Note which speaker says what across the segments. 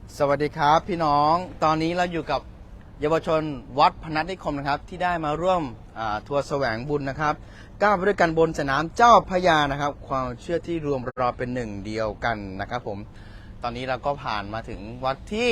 Speaker 1: สวัสดีครับพี่น้องตอนนี้เราอยู่กับเยาวชนวัดพนัสนิคมนะครับที่ได้มาร่วมทัวร์แสวงบุญนะครับก้าวไปด้วยกันบนสนามเจ้าพระยานะครับความเชื่อที่รวมเราเป็นหนึ่งเดียวกันนะครับผมตอนนี้เราก็ผ่านมาถึงวัดที่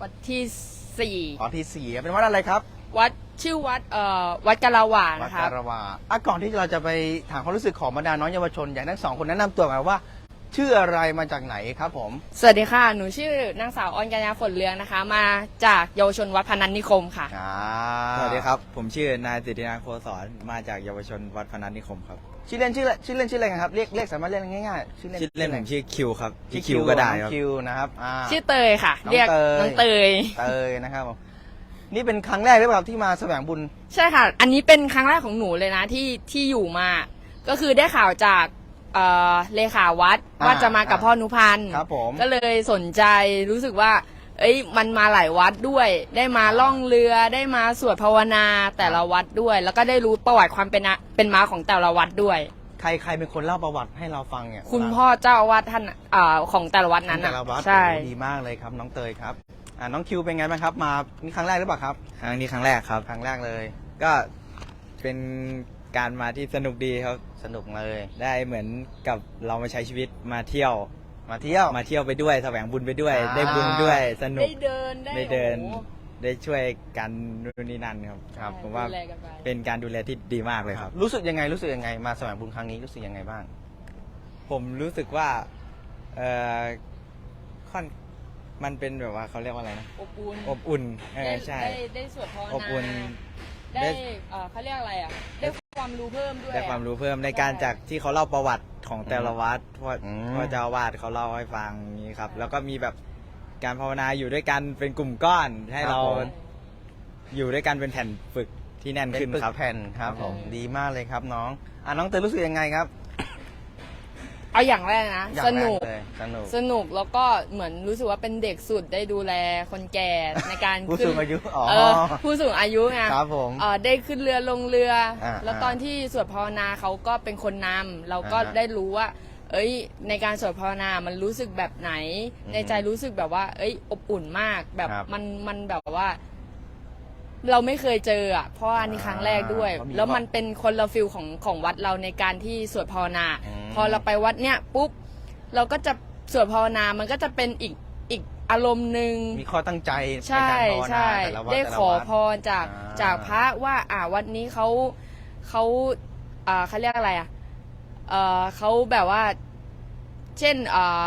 Speaker 2: วัดที่ 4
Speaker 1: เป็นวัดอะไรครับ
Speaker 2: วัดชื่อวัดกะลาวา
Speaker 1: วัด
Speaker 2: นะครับ
Speaker 1: การวาก่อนที่เราจะไปถามความรู้สึกของบรรดาน้องเยาวชนอยากให้ทั้งสองคนแนะนำตัวกันว่าชื่ออะไรมาจากไหนครับผม
Speaker 2: สวัสดีค่ะหนูชื่อนางสาวออนกัญญาฝนเรืองนะคะมาจากเยาวชนวัดพนัสนิคมค่ะ
Speaker 3: สวัสดีครับผมชื่อนายสิทธินันท์โคศรมาจากเยาวชนวัดพนัสนิคมครับ
Speaker 1: ชื่อเล่นชื่ออะไรกันครับเรียกสามารถเรียกง่ายๆชื่อเล่น
Speaker 3: ชื่อเล่นผมชื่อคิวครับ
Speaker 1: ชื่อ
Speaker 3: คิวก็ได้
Speaker 1: น้
Speaker 3: ค
Speaker 1: อ
Speaker 3: รับ
Speaker 1: งคิวนะครับ
Speaker 2: ชื่อเตยค่ะ
Speaker 1: น้อง
Speaker 2: เรียก
Speaker 1: เตย
Speaker 2: น้องเตย
Speaker 1: เตยนะครับผมนี่เป็นครั้งแรกหรือเปล่าที่มาแสวงบุญ
Speaker 2: ใช่ค่ะ อันนี้เป็นครั้งแรกของหนูเลยนะที่อยู่มา ก็คือได้ข่าวจากเลขาวัดว่าจะมากับพ่อนุพันธ์
Speaker 1: ครับผม
Speaker 2: ก็เลยสนใจรู้สึกว่า เอ้ยมันมาหลายวัดด้วย ได้มาล่องเรือได้มาสวดภาวนาแต่ละวัดด้วย แล้วก็ได้รู้ประวัติความเป็นมาของแต่ละวัดด้วย
Speaker 1: ใครเป็นคนเล่าประวัติให้เราฟังเนี่ย
Speaker 2: คุณพ่อเจ้าอาวาสท่านของแต่ละวัดนั้น
Speaker 1: แต่ละวัด
Speaker 2: ใช่
Speaker 1: โอ้ดีมากเลยครับน้องเตยครับน้องคิวเป็นไงบ้างครับมานี่ครั้งแรกหรือเปล่าครับ
Speaker 3: ครั้งนี้ครั้งแรกครับ
Speaker 1: ครั้งแรกเลย
Speaker 3: ก็เป็นการมาที่สนุกดีครับ
Speaker 1: สนุกเลย
Speaker 3: ได้เหมือนกับเรามาใช้ชีวิตมาเที่ยว
Speaker 1: มาเที่ยว
Speaker 3: มาเที่ยวไปด้วยแสวงบุญไปด้วย
Speaker 1: อ่า
Speaker 3: ได้บุญด้วยสนุก
Speaker 2: ได้เดิน
Speaker 3: ได้เดิน
Speaker 2: โอ้โห
Speaker 3: ได้ช่วยกันนู่นนี่นั่นครับ
Speaker 1: ครับ
Speaker 3: ผมว่า
Speaker 2: ดูแลกันไป
Speaker 3: เป็นการดูแลที่ดีมากเลยครับ
Speaker 1: รู้สึกยังไงมาแสวงบุญครั้งนี้รู้สึกยังไงบ้าง
Speaker 3: ผมรู้สึกว่าเอ่อค่อนมันเป็นแบบว่าเขาเรียกว่าอะไรนะ
Speaker 2: อบอุ่น
Speaker 3: อบอุ่น
Speaker 2: ได้
Speaker 3: ใช่
Speaker 2: ได้สวดภาวนา
Speaker 3: อบอุ่น
Speaker 2: ได้เขาเรียกอะไรอ่ะได้ความรู้เพิ่มด้วย
Speaker 3: ได้ความรู้เพิ่มในการจากที่เขาเล่าประวัติของแต่ละวัดพ่อ
Speaker 1: อืม
Speaker 3: พ่อเจ้าอาวาสเขาเล่าให้ฟังนี้ครับ แล้วก็มีแบบการภาวนาอยู่ด้วยกันเป็นกลุ่มก้อน ให้เราอยู่ด้วยกันเป็นแผ่นฝึกที่แน่น
Speaker 1: เป็น
Speaker 3: ขึ้น
Speaker 1: ปึก
Speaker 3: ครับ
Speaker 1: แผ่นครับผมดีมากเลยครับน้องน้องเตยรู้สึกยังไงครับ
Speaker 2: เอาอย่างแรกนะ
Speaker 1: อย่าง
Speaker 2: ส
Speaker 1: แร
Speaker 2: นุก
Speaker 1: เลยสนุก
Speaker 2: สนุกแล้วก็เหมือนรู้สึกว่าเป็นเด็กสุดได้ดูแลคนแก่ในการ
Speaker 1: ผู้
Speaker 2: ขึ้น
Speaker 1: สูงอายุอ๋อ
Speaker 2: ผู้สูงอายุไง
Speaker 1: ครับผม
Speaker 2: ได้ขึ้นเรือลงเรืออา แล้ว
Speaker 1: อ่า
Speaker 2: ตอนที่สวดภาวนาเขาก็เป็นคนนำเราก็
Speaker 1: อ่าฮะ
Speaker 2: ได้รู้ว่า เอ้ยในการสวดภาวนามันรู้สึกแบบไหน
Speaker 1: อืม
Speaker 2: ในใจรู้สึกแบบว่า เอ้ยอบอุ่นมากแบบ
Speaker 1: ครับ
Speaker 2: มันแบบว่า เราไม่เคยเจออ่ะเพราะว่าอันนี้ครั้งแรกด้วย
Speaker 1: เขามี
Speaker 2: แล้วมันเป็นคนละฟิลของวัดเราในการที่สวดภาวนา
Speaker 1: อืม
Speaker 2: พอเราไปวัดเนี้ยปุ๊บเราก็จะสวดภาวนามันก็จะเป็นอีกอารมณ์หนึ่ง
Speaker 1: มีข้อตั้งใจใน
Speaker 2: ใช่
Speaker 1: การภาวนา
Speaker 2: ใช่
Speaker 1: แต่ละวัด
Speaker 2: ได้
Speaker 1: แต่ละ
Speaker 2: ขอ
Speaker 1: วัด
Speaker 2: พรจาก
Speaker 1: อ่า
Speaker 2: จากพระว่าวัดนี้เขาเขาเรียกอะไรอ่ะเขาแบบว่า เช่น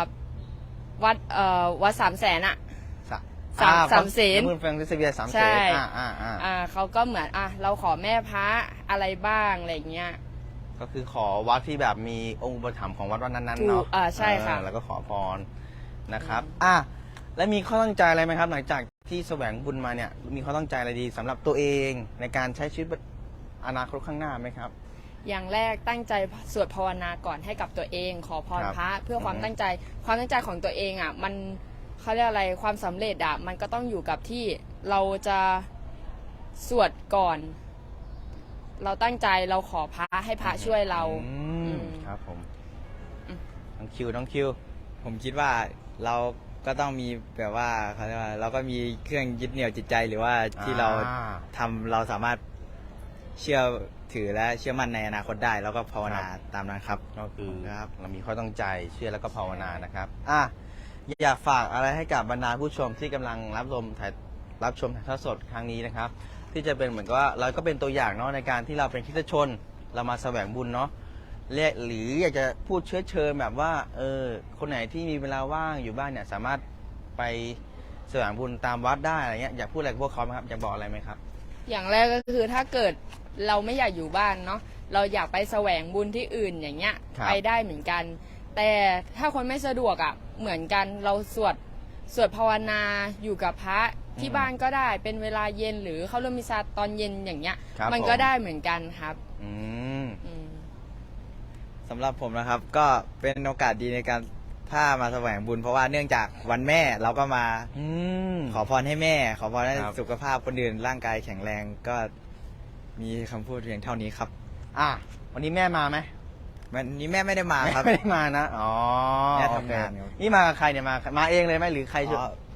Speaker 2: วัด300,000อ่ะ สามเสน
Speaker 1: มือแฟงเซเวียสามเส
Speaker 2: ใช่
Speaker 1: น
Speaker 2: เขาก็เหมือนเราขอแม่พระอะไรบ้างอะไรเงี้ย
Speaker 1: ก็คือขอวัดที่แบบมีองค์อุปถัมภ์ของวัดนั้นๆ
Speaker 2: ถู
Speaker 1: เนาะ
Speaker 2: กใช่ค่ะ
Speaker 1: แล้วก็ขอพรนะครับแล้วมีข้อตั้งใจอะไรไหมครับ หลังจากที่แสวงบุญมาเนี่ยมีข้อตั้งใจอะไรดีสำหรับตัวเองในการใช้ชีวิตอนาคตข้างหน้าไหมครับ
Speaker 2: อย่างแรกตั้งใจสวดภาวนาก่อนให้กับตัวเอง ขอพร
Speaker 1: ครับ
Speaker 2: พระเพื่อความ
Speaker 1: อือฮึ
Speaker 2: ตั้งใจของตัวเองอ่ะมันเขาเรียกอะไรความสำเร็จอ่ะมันก็ต้องอยู่กับที่เราจะสวดก่อน เราตั้งใจเราขอพระให้พระช่วยเรา
Speaker 1: ครับผม
Speaker 2: อืม
Speaker 1: น้องคิว
Speaker 3: ผมคิดว่าเราก็ต้องมีแบบว่าเขาเรียกว่าเราก็มีเครื่องยึดเหนี่ยวจิตใจหรือว่าที่เราทำเราสามารถเชื่อถือและเชื่อมั่นในอนาคตได้ แล้วก็ภาวนาตามนั้นครับ
Speaker 1: ก็คือ
Speaker 3: ครับ
Speaker 1: เรามีข้อตั้งใจเชื่อแล้วก็ภาวนานะครับอยากฝากอะไรให้กับบรรดาผู้ชมที่กำลังรับชมถ่ายทอดสดครั้งนี้นะครับ ที่จะเป็นเหมือนกับว่าเราก็เป็นตัวอย่างเนาะในการที่เราเป็นคริสตชน เรามาแสวงบุญเนาะหรืออยากจะพูดเชื้อเชิญแบบว่าคนไหนที่มีเวลาว่างอยู่บ้านเนี่ยสามารถไปแสวงบุญตามวัดได้อะไรเงี้ยอยากพูดอะไรกับพวกเขาไหมครับอยากบอกอะไรไหมครับ
Speaker 2: อย่างแรกก็คือถ้าเกิดเราไม่อยากอยู่บ้านเนาะเราอยากไปแสวงบุญที่อื่นอย่างเงี้ย
Speaker 1: ครับ
Speaker 2: ไปได้เหมือนกัน แต่ถ้าคนไม่สะดวกอ่ะเหมือนกันเราสวดภาวนาอยู่กับพระที่บ้านก็ได้เป็นเวลาเย็นหรือเข้าร่วมมิสซาตอนเย็นอย่างเงี้ย
Speaker 1: ครับ
Speaker 2: มัน
Speaker 1: ผม
Speaker 2: ก็ได้เหมือนกันครับ
Speaker 1: อืม
Speaker 2: อืม
Speaker 3: สำหรับผมนะครับก็เป็นโอกาสดีในการถ้ามาแสวงบุญ เพราะว่าเนื่องจากวันแม่เราก็มา
Speaker 1: อืม
Speaker 3: ขอพรให้แม่ ขอพรให้
Speaker 1: ครับ
Speaker 3: สุขภาพคนอื่นร่างกายแข็งแรงก็มีคำพูดเพียงเท่านี้ครับ
Speaker 1: วันนี้แม่มาไหม
Speaker 3: วันนี้แม่ไม่ได้มาครับ
Speaker 1: ไม่ได้มานะอ๋อ
Speaker 3: แม่
Speaker 1: โอ
Speaker 3: ทำ
Speaker 1: เค
Speaker 3: งานครับ
Speaker 1: นี่มากับใครเนี่ยมาเองเลยไหมหรือใครช่วย
Speaker 3: อ๋อ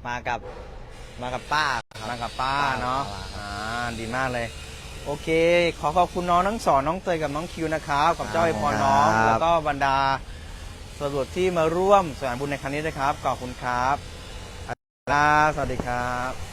Speaker 3: มากับป้าครับ
Speaker 1: มากับป้าเนาะ
Speaker 3: ป้
Speaker 1: ดีมากเลย โอเค ขอบคุณน้องทั้งสองน้องเตยกับน้องคิวนะครับกับเจ้าไอพรน้อง
Speaker 3: ครับ
Speaker 1: แล้วก็บรรดาสวดที่มาร่วมสวดบุญในครั้งนี้นะครับขอบคุณครับสวัสดีครับ